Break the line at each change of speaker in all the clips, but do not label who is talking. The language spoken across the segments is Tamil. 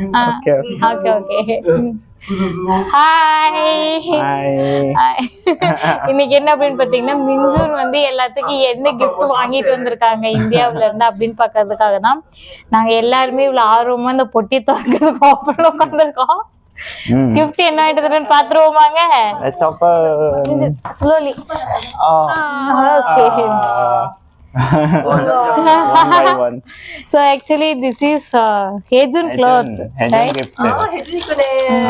Okay, okay.
Okay. Hi
Hi.
இன்னைக்கு என்ன அப்படின்னு பாத்தீங்கன்னா மிஞ்சூர் வந்து எல்லாத்துக்கும் என்ன gift வாங்கிட்டு வந்திருக்காங்க இந்தியாவுல இருந்து அப்படின்னு பாக்குறதுக்காக தான் நாங்க எல்லாருமே இவ்வளவு ஆர்வமா இந்த பொட்டி திறக்கிறதுக்கு ஓப்பன்ல உட்காந்துருக்கோம். gift என்ன ஆயிட்டு இருக்குன்னு பாத்துருவோமாங்க?
Let's open.
Slowly.
Oh.
Okay.
One by one.
So actually this is Hejun cloth,
Hejun
right?
gift.
해주니까네.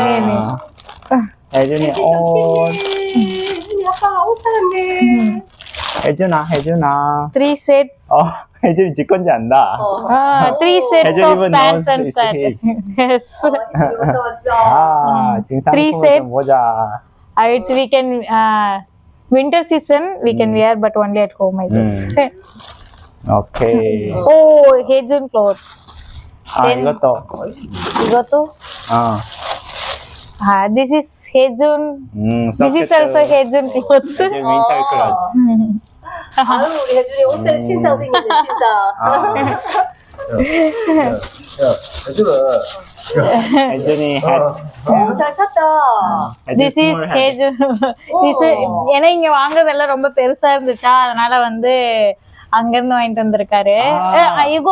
혜준이 옷.
아빠 옷 사랑해.
혜준아.
3 sets.
혜준이 지 건지 안다.
3 sets
Hejun
of
even
pants
knows
and
it's
shirts.
his.
Yes.
이거 왔어.
지금
Three
상품을
sets.
좀 보자.
It's we can winter season we can wear but only at home I guess.
오케이.
Oh, Hejun cloth. Then-
이것도.
Igoto. This is Hejun. This is also Hejun clothes.
혜준 윈터 클러치.
아유 우리 혜준이 옷에 신상 생겼네 신상.
혜준이 hat.
잘 샀다.
This is Hejun. This is ஏன்னா இங்க வாங்குறதெல்லாம் ரொம்ப பெருசா இருந்துச்சா அதனால வந்து அங்க இருந்து வாங்கிட்டு வந்திருக்காரு. இகோ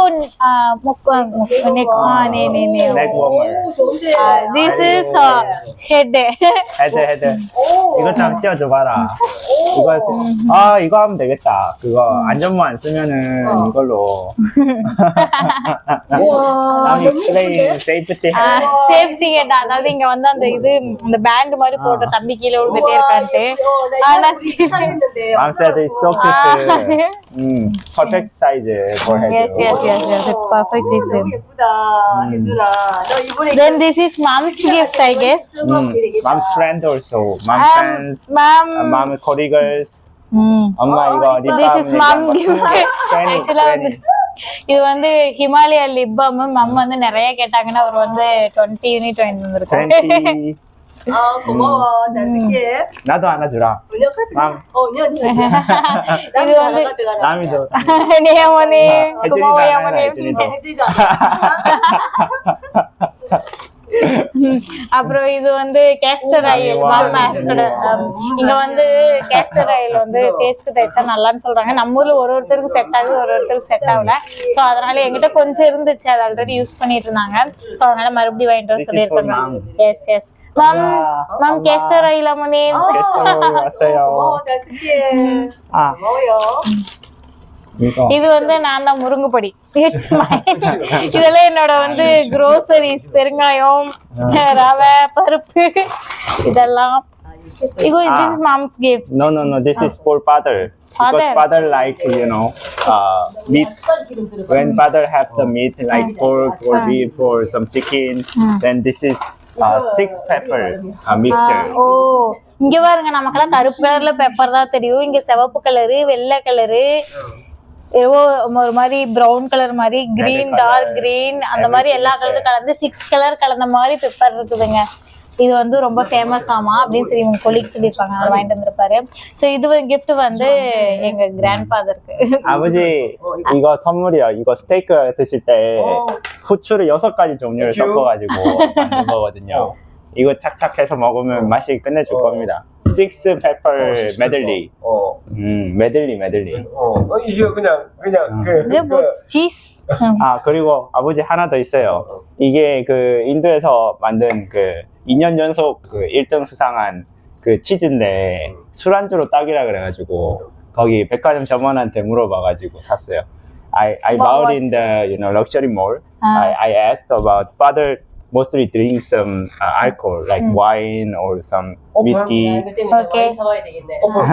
Neck warmer.
좋은데.
This is head.
헤드. 이거 좀 씌워줘봐라. 이거 하면 되겠다. 그거 안전모 안 쓰면은 이걸로. 남이 플레이 세이프티 헤드.
Safety head அதாவது இங்க வந்து அந்த இது அந்த பேண்ட் மாதிரி போட்ட தம்பி கீழே விழுந்துட்டே இருக்கான்ட்டு ஆனா
Mom said it's so cute. Perfect size for
yes
head.
it's perfect
너무
season.
예쁘다 혜준아. 너 이번에
Then this is mom's gift I guess.
Mom's friend also. Mom friends.
Mom.
Mom colleagues. 엄마 이거
This is mom gift. Actually வந்து இது வந்து ஹிமாலயா லிப் பாம் மம் வந்து நிறைய கேட்டாங்கன்னா அவர் வந்து 20 யூனிட் வாங்கி வந்திருக்காரு.
20.
아 고마워 잘 쓸게.
나도 하나 주라.
은영 가져가.
맘.
은영
இது வந்து
남이도.
நியமனே
혜준이도
குமார்
하나,
யமனே
혜준이도.
혜준이다.
அப்புறம் இது வந்து கேஸ்டர் ஆயில் இங்க வந்து கேஸ்டர் ஆயில் வந்து ஃபேஸ்க்கு தேய்ச்சா நல்லான்னு சொல்றாங்க. நம்ம ஊர்ல ஒருத்தருக்கு செட் ஆகுது ஒருத்தருக்கு செட் ஆகல. சோ அதனால என்கிட்ட கொஞ்சம் இருந்துச்சு அது ஆல்ரெடி யூஸ் பண்ணிட்டு இருந்தாங்க. சோ அதனால மறுபடியும் வாங்கிட்டு வர சொல்லியிருக்காங்க. எஸ் மம் கேஸ்டர் ஆயில் அம்மனே
왔어요.
잘 쓸게.
아.
고마워요.
이거.
இது வந்து நான் தான் முருங்கு பொடி. இதெல்லாம் என்னோட வந்து groceries பெருங்காயம் ரவை பருப்பு இதெல்லாம். இகோ this is mom's gift.
No. This is for father. Because
Father.
father like meat. When father have the meat like pork or beef or some chicken, then this is 6 pepper mixture.
ஓ இங்க பாருங்க நமக்கெல்லாம் கருப்பு கலர்ல பெப்பர் தான் தெரியும். இங்க சிவப்பு கலரு வெள்ளை கலரு ஏதோ ஒரு மாதிரி பிரவுன் கலர் மாதிரி கிரீன் டார்க் கிரீன் அந்த மாதிரி எல்லா கலரும் கலந்து 6 கலர் கலந்த மாதிரி பெப்பர் இருக்குதுங்க. இது வந்து ரொம்ப ஃபேமஸ் ஆமா அப்படின்னு சொல்லி உங்க கொலீக் சொல்லியிருப்பாங்க. அதை வாங்கிட்டு வந்திருப்பாரு. ஸோ இது கிஃப்ட் வந்து எங்க கிராண்ட் ஃபாதருக்கு.
아버지 이거 선물이요. 이거 스테이크 드실 때 후추를 6가지 종류를 섞어가지고 만든 거거든요. 이거 착착해서 먹으면 맛이 끝내줄 겁니다. 6 pepper medley. medley.
이게 그냥
இது cheese.
그리고 아버지 하나 더 있어요. 이게 그 인도에서 만든 그 2년 연속 그 1등 수상한 그 치즈인데 술안주로 딱이라 그래가지고 거기 백화점 점원한테 물어봐가지고 샀어요. I bought in the luxury mall. I asked about father mostly drink some alcohol like wine or some whiskey.
그때 많이 사와야 되겠네.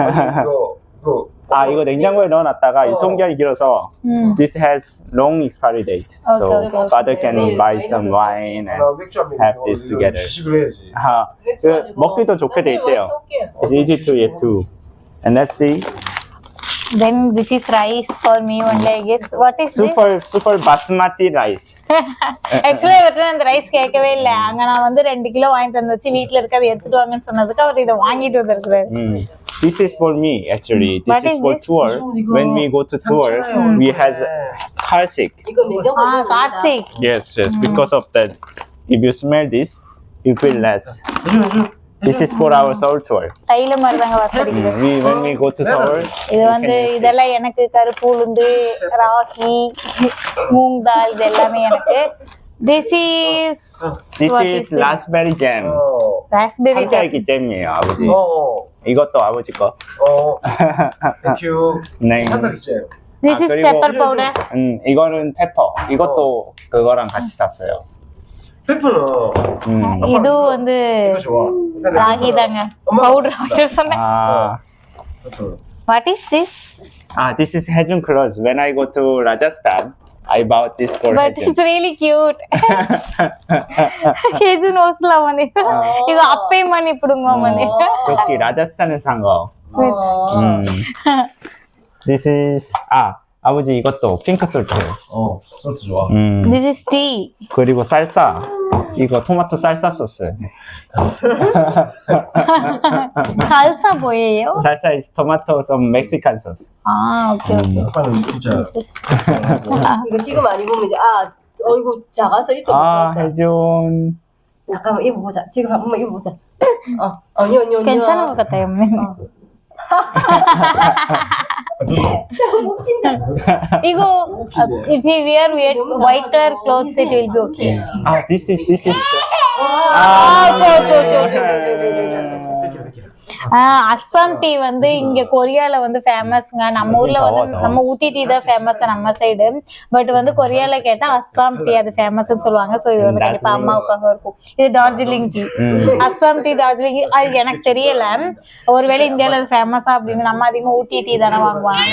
이거 냉장고에 넣어놨다가 유통기한이 길어서 this has long expiry date. So
Okay.
father can buy some wine and have this together.
시식을 해야지.
그 먹기도 좋게 돼 있대요. It's easy to eat too. And let's see.
Then this is rice for me only I guess. What is this?
Super basmati rice.
ஆக்சுவலா இவர்கிட்ட அந்த ரைஸ் கேட்கவே இல்லை. அங்க நான் வந்து 2 கிலோ வாங்கிட்டு வந்து வச்சு வீட்டுல இருக்கிறத எடுத்துட்டு வாங்கன்னு சொன்னதுக்கு அவர் இதை வாங்கிட்டு வந்திருக்கிறாரு.
This is for me actually. This
What
is
is
for
this?
tour. When we go to tour, we has car sick.
이거 냉장고에
Karthik.
Yes. Because of that if you smell this, you feel less. This is for our Seoul tour.
தைல மாதிரி தாங்க வாசடிக்குது.
When we go to Seoul,
இது வந்து இதெல்லாம் எனக்கு கருப்பு உளுந்து, ராகி, மூங் தால் இது எல்லாமே எனக்கு. This is
raspberry jam.
raspberry jam.
산딸기 잼이에요, 아버지. 이것도 아버지 거.
땡큐.
네.
산딸기 잼.
This is
그리고-
pepper powder.
이거는 페퍼. 이것도 그거랑 같이 샀어요.
페퍼는
இது வந்து
이거 좋아.
ராகி தாங்க. பவுடர் சொன்னேன்.
아,
페퍼.
What is this?
this is Hejun clothes. When I go to Rajasthan, I bought this for
But
Hejun.
it's really cute. కేజన్ వస్తలామని ఇది అప్పే మని ఇప్పుడు మని
저기 라자스탄에 산 거. This is 아버지 이것도 핑크 솔트.
소스 좋아.
This is tea.
그리고 쌀사. 이거 토마토 쌀사 소스.
salsa boyeyo.
Salsa is tomato some Mexican sauce.
Okay okay.
아빠는 진짜
이거 지금 안 입으면 이제 이거 작아서 입도 못 봤다.
혜준.
잠깐만 입어보자. 지금 한번 입어보자. 언니.
괜찮은 것 같아요. 이거 if you wear white color clothes it will be okay.
This is
Assam tea வந்து இங்க கொரியால வந்து ஃபேமஸ்ங்க. நம்ம ஊர்ல வந்து நம்ம ஊட்டி டீ தான் ஃபேமஸ் நம்ம சைடு. பட் வந்து கொரியால கேட்டா அஸ்ஸாம் டீ அது ஃபேமஸ்னு சொல்லுவாங்க. சோ இது வந்து கண்டிப்பா அம்மாவுக்காக இருக்கும். இது டார்ஜிலிங் டீ. அஸ்ஸாம் டீ டார்ஜிலிங் அது எனக்கு தெரியல. ஒருவேளை இந்தியால அது ஃபேமஸா அப்படின்னு நம்ம அதிகமா ஊட்டி டீ தானே வாங்குவாங்க.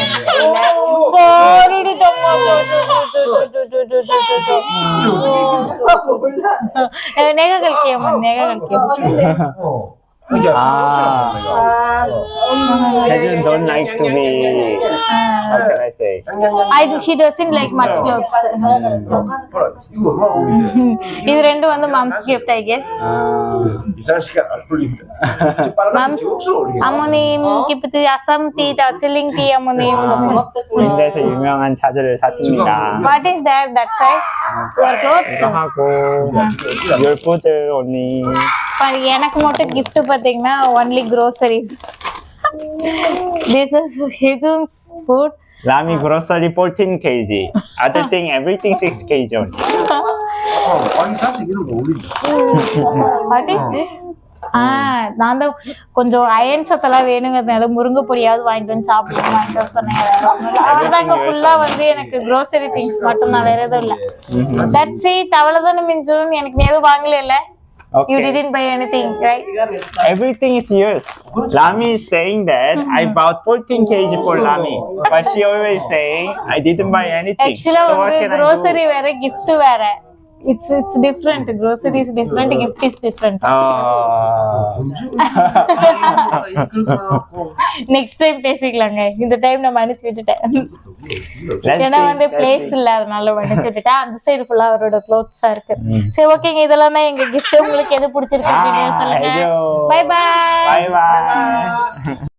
내가 갈게요. 내가 갈게요.
혜준 don't like to be how can I say?
He doesn't like much clothes.
이거 얼마나 어울리네.
இது ரெண்டு வந்து mom's gift I guess.
이상한 시간 안 어울린다. 빨간색 옷으로 어울리네.
어머님 기프트 아쌈 티 다칠링 티 어머님.
인도에서 유명한 차들을 샀습니다.
What is that? That side? Your clothes?
이거 하고 your food only.
எனக்கு மட்டும் gift பாத்தீங்கன்னா only groceries. This is Hejun's food.
라미 grocery 14 kg. Other thing everything 6 kg only.
빨간색 이런 거 어울린다.
What is this? நான் தான் கொஞ்சம் அயன் சத்தெல்லாம் வேணுங்கிறதுனால முருங்கை பொடியாவது வாங்கிட்டு வந்து சாப்பிடுவோம் வாங்கிட்டு சொன்னேன். அவ்வளவுதாங்க ஃபுல்லா வந்து எனக்கு grocery things மட்டும் தான் வேற எதுவும் இல்ல. That's it. அவ்வளவுதானே மிஞ்சும். எனக்கு நீ எதுவும் வாங்கல. You didn't buy anything, right?
Everything is yours. Lami is saying that I bought 14 kg for Lami, but she always saying I didn't buy anything.
Actually
So what
வந்து
can I do?
grocery வேற gift வேற. It's different. Grocery is different. Gift is different. Next time பேசிக்கலாங்க. இந்த டைம் நான் மன்னிச்சு விட்டுட்டேன். ஏன்னா வந்து பிளேஸ் இல்ல அதனால மன்னிச்சு விட்டுட்டேன். அந்த சைடு ஃபுல்லா அவரோட க்ளோத்ஸா இருக்கு. சரி ஓகேங்க இதெல்லாம் தான் எங்க gift. உங்களுக்கு எது பிடிச்சிருக்கு அப்படின்னு சொல்லுங்க. Bye bye.
Bye bye.